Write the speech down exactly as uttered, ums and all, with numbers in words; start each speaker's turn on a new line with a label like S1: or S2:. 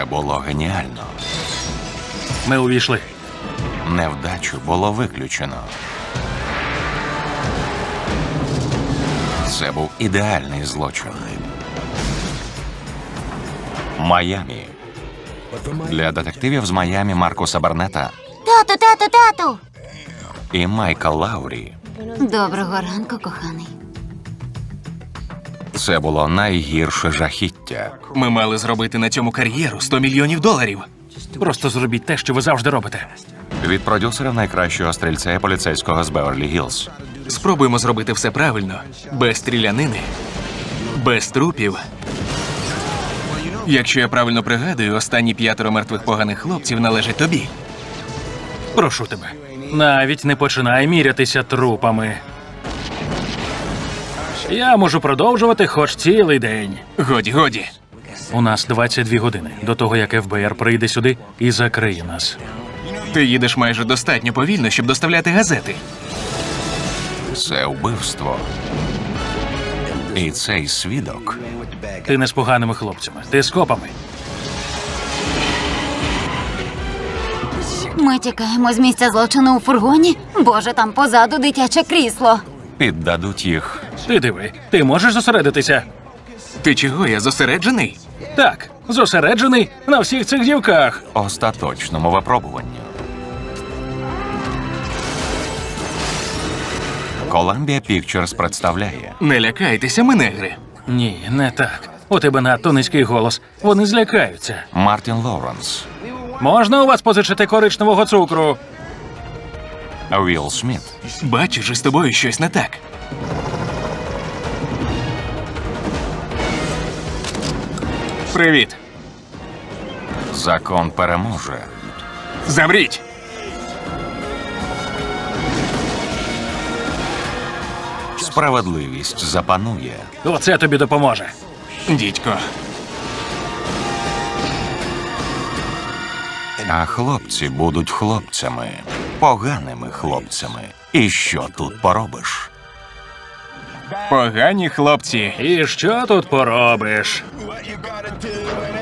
S1: було геніально.
S2: Ми увійшли.
S1: Невдачу було виключено. Це був ідеальний злочин. Майамі. Для детективів з Майамі Маркуса Барнета
S3: Тату, тату, тату!
S1: і Майка Лаурі
S3: Доброго ранку, коханий.
S1: це було найгірше жахіття.
S4: Ми мали зробити на цьому кар'єру сто мільйонів доларів.
S2: Просто зробіть те, що ви завжди робите.
S1: Від продюсера найкращого стрільця і поліцейського з Беверлі-Гілз.
S4: Спробуємо зробити все правильно. Без стрілянини, без трупів. Якщо я правильно пригадую, останні п'ятеро мертвих поганих хлопців належать тобі.
S2: Прошу тебе. Навіть не починай мірятися трупами. Я можу продовжувати хоч цілий день.
S4: Годі, годі.
S2: У нас двадцять дві години до того, як еф бе ер прийде сюди і закриє нас.
S4: Ти їдеш майже достатньо повільно, щоб доставляти газети.
S1: Це вбивство. І цей свідок
S2: Ти не з поганими хлопцями, ти з копами.
S3: Ми тікаємо з місця злочину у фургоні. Боже, там позаду дитяче крісло.
S1: піддадуть їх.
S2: Ти диви, ти можеш зосередитися?
S4: Ти чого, я зосереджений?
S2: Так, зосереджений на всіх цих дівках.
S1: Остаточному випробуванню. Columbia Pictures представляє
S4: Не лякайтеся, ми негри.
S2: Ні, не так. У тебе надто низький голос. Вони злякаються.
S1: Мартін Лоуренс,
S2: Можна у вас позичити коричневого цукру?
S1: Вілл Сміт,
S4: Бачиш, із тобою щось не так. Привіт.
S1: Закон переможе.
S4: Замріть!
S1: Справедливість запанує.
S2: Оце тобі допоможе.
S4: Дідько.
S1: А хлопці будуть хлопцями. Поганими хлопцями. І що тут поробиш?
S4: Погані хлопці.
S2: І що тут поробиш?